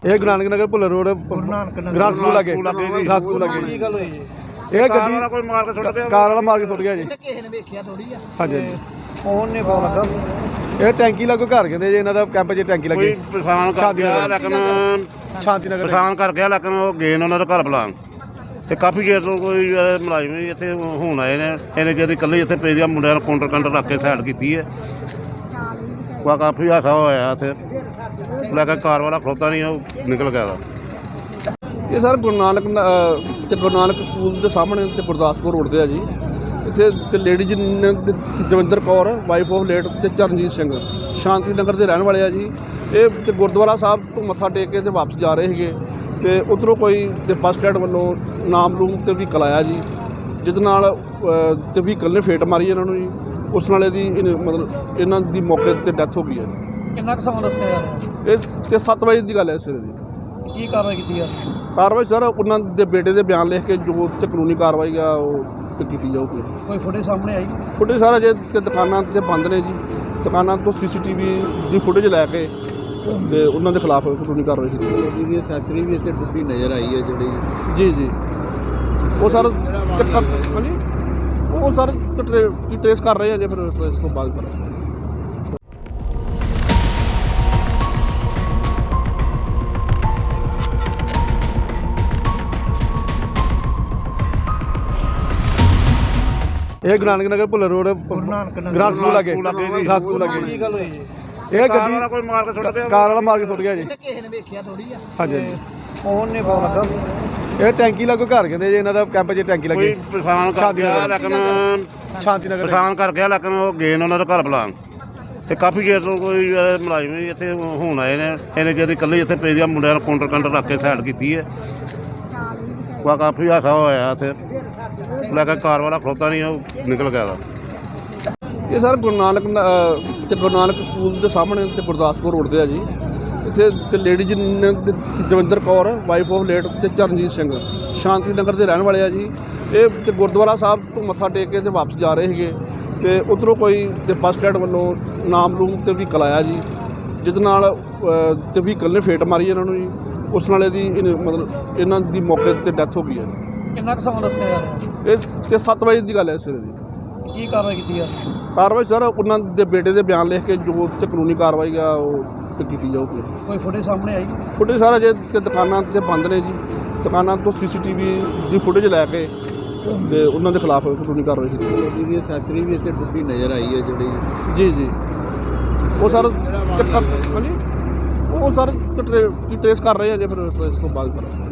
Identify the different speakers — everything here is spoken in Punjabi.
Speaker 1: ਇਹ Guru Nanak Nagar Bhullar road grass school ਲੱਗੇ ਗ੍ਰਾਸ ਸਕੂਲ ਲੱਗੇ
Speaker 2: ਕੀ ਗੱਲ ਹੋਈ ਜੀ?
Speaker 1: ਇਹ ਗੱਡੀ
Speaker 2: ਕੋਈ ਮਾਰ ਕੇ ਸੁੱਟ ਗਿਆ
Speaker 1: ਕਾਰ ਵਾਲਾ ਮਾਰ ਕੇ ਸੁੱਟ ਗਿਆ ਜੀ।
Speaker 3: ਕਿਸੇ ਨੇ ਵੇਖਿਆ ਥੋੜੀ ਆ।
Speaker 1: ਹਾਂਜੀ
Speaker 2: ਫੋਨ ਨੇ ਪਤਾ ਲੱਗਾ
Speaker 1: ਇਹ ਟੈਂਕੀ ਲੱਗੋ ਘਰ ਕਹਿੰਦੇ ਜੀ ਇਹਨਾਂ ਦਾ ਕੈਂਪ 'ਚ ਟੈਂਕੀ ਲੱਗੀ
Speaker 2: ਕੋਈ ਪਛਾਣ ਕਰ ਗਿਆ ਲੇਕਿਨ
Speaker 1: ਸ਼ਾਂਤੀ ਨਗਰ
Speaker 2: ਪਛਾਣ ਕਰ ਗਿਆ ਲੇਕਿਨ ਉਹ ਗਏ ਨੇ ਉਹਨਾਂ ਦਾ ਘਰ ਬੁਲਾਉਣ ਤੇ ਕਾਫੀ ਚਿਰ ਤੋਂ ਕੋਈ ਮੁਲਾਜ਼ਮ ਵੀ ਇੱਥੇ ਹੁਣ ਆਏ ਨੇ ਇਹਨੇ ਜਿਹੜੀ ਇਕੱਲੇ ਇੱਥੇ ਪੇਜਿਆ ਮੁੰਡਿਆਂ ਨੂੰ ਕਾਊਂਟਰ ਰੱਖ ਕੇ ਸਾਈਡ ਕੀਤੀ ਹੈ ਕਾਫੀ ਹਾਸਾ ਹੋਇਆ ਇੱਥੇ ਲੈ ਕੇ ਕਾਰ ਵਾਲਾ ਖਲੋਤਾ ਨਹੀਂ ਉਹ ਨਿਕਲ ਗਿਆ
Speaker 1: ਇਹ ਸਰ ਗੁਰੂ ਨਾਨਕ ਸਕੂਲ ਦੇ ਸਾਹਮਣੇ ਤੇ ਗੁਰਦਾਸਪੁਰ ਰੋਡ ਤੇ ਆ ਜੀ। ਇੱਥੇ ਤੇ ਲੇਡੀ ਜੀ ਨੇ Davinder Kaur wife of late ਤੇ ਚਰਨਜੀਤ ਸਿੰਘ ਸ਼ਾਂਤੀ ਨਗਰ ਦੇ ਰਹਿਣ ਵਾਲੇ ਆ ਜੀ। ਇਹ ਤੇ ਗੁਰਦੁਆਰਾ ਸਾਹਿਬ ਤੋਂ ਮੱਥਾ ਟੇਕ ਕੇ ਤੇ ਵਾਪਸ ਜਾ ਰਹੇ ਸੀਗੇ ਤੇ ਉੱਧਰੋਂ ਕੋਈ ਤੇ ਬੱਸ ਸਟੈਂਡ ਵੱਲੋਂ ਨਾਮਲੂਮ ਤੇ ਵਹੀਕਲ ਆਇਆ ਜੀ, ਜਿਹਦੇ ਨਾਲ ਤੇ ਵਹੀਕਲ ਨੇ ਫੇਟ ਮਾਰੀ ਇਹਨਾਂ ਨੂੰ ਜੀ। ਉਸ ਨਾਲ ਮਤਲਬ ਇਹਨਾਂ ਦੀ ਮੌਕੇ 'ਤੇ ਡੈਥ ਹੋ ਗਈ ਹੈ।
Speaker 2: ਕਿੰਨਾ ਕੁ ਸਮਾਂ ਦੱਸਿਆ ਯਾਰ
Speaker 1: ਇਹ ਤੇ 7 ਵਜੇ ਦੀ ਗੱਲ ਹੈ ਸਵੇਰੇ ਦੀ।
Speaker 2: ਕੀ ਕਾਰਵਾਈ ਕੀਤੀ ਯਾਰ?
Speaker 1: ਕਾਰਵਾਈ ਸਰ ਉਹਨਾਂ ਦੇ ਬੇਟੇ ਦੇ ਬਿਆਨ ਲਿਖ ਕੇ ਜੋ ਤੇ ਕਾਨੂੰਨੀ ਕਾਰਵਾਈ ਆ ਉਹ ਤੇ ਕੀਤੀ ਜਾਊਗੀ।
Speaker 2: ਕੋਈ ਫੁਟੇਜ ਸਾਹਮਣੇ ਆਈ?
Speaker 1: ਫੁਟੇਜ ਸਾਰਾ ਜੇ ਤੇ ਦੁਕਾਨਾਂ ਤੇ ਬੰਦ ਨੇ ਜੀ, ਦੁਕਾਨਾਂ ਤੋਂ CCTV ਦੀ ਫੁਟੇਜ ਲੈ ਕੇ ਤੇ ਉਹਨਾਂ ਦੇ ਖਿਲਾਫ ਕਾਨੂੰਨੀ ਕਾਰਵਾਈ ਕੀਤੀ ਜਾਊਗੀ।
Speaker 3: ਇਹਦੀ ਐਕਸੈਸਰੀ ਵੀ ਇੱਥੇ ਟੁੱਟੀ ਨਜ਼ਰ ਆਈ ਹੈ ਜਿਹੜੀ।
Speaker 1: ਜੀ ਉਹ ਸਰ ਹਾਂਜੀ ਉਹ ਸਰ ਟ੍ਰੇਸ ਕਰ ਰਹੇ ਆ ਜੇ ਫਿਰ ਇਸ ਤੋਂ ਬਾਅਦ ਕਰਾਂਗੇ। ਇਹ Guru Nanak Nagar Bhullar road grass school ਲੱਗੇ ਗ੍ਰਾਸ ਸਕੂਲ ਲੱਗੇ
Speaker 2: ਕੀ ਗੱਲ ਹੋਈ ਜੀ?
Speaker 1: ਇਹ ਗੱਡੀ
Speaker 2: ਕੋਈ ਮਾਰ ਕੇ ਸੁੱਟ ਗਿਆ
Speaker 1: ਕਾਰ ਵਾਲਾ ਮਾਰ ਕੇ ਸੁੱਟ ਗਿਆ ਜੀ।
Speaker 3: ਕਿਸੇ ਨੇ ਵੇਖਿਆ ਥੋੜੀ ਆ।
Speaker 1: ਹਾਂਜੀ
Speaker 2: ਫੋਨ ਨੇ ਪਤਾ ਲੱਗਾ
Speaker 1: ਇਹ ਟੈਂਕੀ ਲੱਗੋ ਘਰ ਕਹਿੰਦੇ ਜੀ ਇਹਨਾਂ ਦਾ ਕੈਂਪ 'ਚ ਟੈਂਕੀ ਲੱਗੀ
Speaker 2: ਕੋਈ ਪਛਾਣ ਕਰ ਗਿਆ ਲੇਕਿਨ
Speaker 1: ਸ਼ਾਂਤੀ ਨਗਰ
Speaker 2: ਪਛਾਣ ਕਰ ਗਿਆ ਲੇਕਿਨ ਉਹ ਗਏ ਨੇ ਉਹਨਾਂ ਦਾ ਘਰ ਬੁਲਾਉਣ ਤੇ ਕਾਫੀ ਚਿਰ ਤੋਂ ਕੋਈ ਮੁਲਾਜ਼ਮ ਵੀ ਇੱਥੇ ਹੁਣ ਆਏ ਨੇ ਇਹਨੇ ਜਿਹੜੀ ਇਕੱਲੇ ਇੱਥੇ ਪੇਜਿਆ ਮੁੰਡਿਆਂ ਨੂੰ ਕਾਊਂਟਰ ਰੱਖ ਕੇ ਸਾਈਡ ਕੀਤੀ ਹੈ ਕਾਫੀ ਹਾਸਾ ਹੋਇਆ ਇੱਥੇ ਲੈ ਕੇ ਕਾਰ ਵਾਲਾ ਖਲੋਤਾ ਨਹੀਂ ਉਹ ਨਿਕਲ ਗਿਆ
Speaker 1: ਇਹ ਸਰ ਗੁਰੂ ਨਾਨਕ ਸਕੂਲ ਦੇ ਸਾਹਮਣੇ ਤੇ ਗੁਰਦਾਸਪੁਰ ਰੋਡ ਤੇ ਆ ਜੀ। ਇੱਥੇ ਤੇ ਲੇਡੀ ਜੀ ਨੇ Davinder Kaur wife of late ਤੇ ਚਰਨਜੀਤ ਸਿੰਘ ਸ਼ਾਂਤੀ ਨਗਰ ਦੇ ਰਹਿਣ ਵਾਲੇ ਆ ਜੀ। ਇਹ ਤੇ ਗੁਰਦੁਆਰਾ ਸਾਹਿਬ ਤੋਂ ਮੱਥਾ ਟੇਕ ਕੇ ਤੇ ਵਾਪਸ ਜਾ ਰਹੇ ਸੀਗੇ ਤੇ ਉੱਧਰੋਂ ਕੋਈ ਤੇ ਬੱਸ ਸਟੈਂਡ ਵੱਲੋਂ ਨਾਮਲੂਮ ਤੇ ਵਹੀਕਲ ਆਇਆ ਜੀ, ਜਿਹਦੇ ਨਾਲ ਤੇ ਵਹੀਕਲ ਨੇ ਫੇਟ ਮਾਰੀ ਇਹਨਾਂ ਨੂੰ ਜੀ। ਉਸ ਨਾਲ ਮਤਲਬ ਇਹਨਾਂ ਦੀ ਮੌਕੇ 'ਤੇ ਡੈਥ ਹੋ ਗਈ ਹੈ।
Speaker 2: ਕਿੰਨਾ ਕੁ ਸਮਾਂ ਦੱਸਿਆ ਯਾਰ?
Speaker 1: ਇਹ ਤੇ 7 ਵਜੇ ਦੀ ਗੱਲ ਹੈ ਸਵੇਰੇ ਦੀ।
Speaker 2: ਕੀ ਕਾਰਵਾਈ ਕੀਤੀ ਯਾਰ?
Speaker 1: ਕਾਰਵਾਈ ਸਰ ਉਹਨਾਂ ਦੇ ਬੇਟੇ ਦੇ ਬਿਆਨ ਲਿਖ ਕੇ ਜੋ ਤੇ ਕਾਨੂੰਨੀ ਕਾਰਵਾਈ ਆ ਉਹ ਤੇ ਕੀਤੀ ਜਾਊਗੀ।
Speaker 2: ਕੋਈ ਫੁਟੇਜ ਸਾਹਮਣੇ ਆਈ?
Speaker 1: ਫੁਟੇਜ ਸਾਰਾ ਜੇ ਤੇ ਦੁਕਾਨਾਂ ਤੇ ਬੰਦ ਨੇ ਜੀ, ਦੁਕਾਨਾਂ ਤੋਂ CCTV ਦੀ ਫੁਟੇਜ ਲੈ ਕੇ ਤੇ ਉਹਨਾਂ ਦੇ ਖਿਲਾਫ ਕਾਨੂੰਨੀ ਕਾਰਵਾਈ ਕੀਤੀ ਜਾਊਗੀ।
Speaker 3: ਇਹਦੀ ਐਕਸੈਸਰੀ ਵੀ ਇੱਥੇ ਟੁੱਟੀ ਨਜ਼ਰ ਆਈ ਹੈ ਜਿਹੜੀ।
Speaker 1: ਜੀ ਉਹ ਸਰ ਹਾਂਜੀ ਉਹ ਸਰ ਟ੍ਰੇਸ ਕਰ ਰਹੇ ਆ ਜੇ ਫਿਰ ਇਸ ਤੋਂ ਬਾਅਦ ਕਰਾਂਗੇ।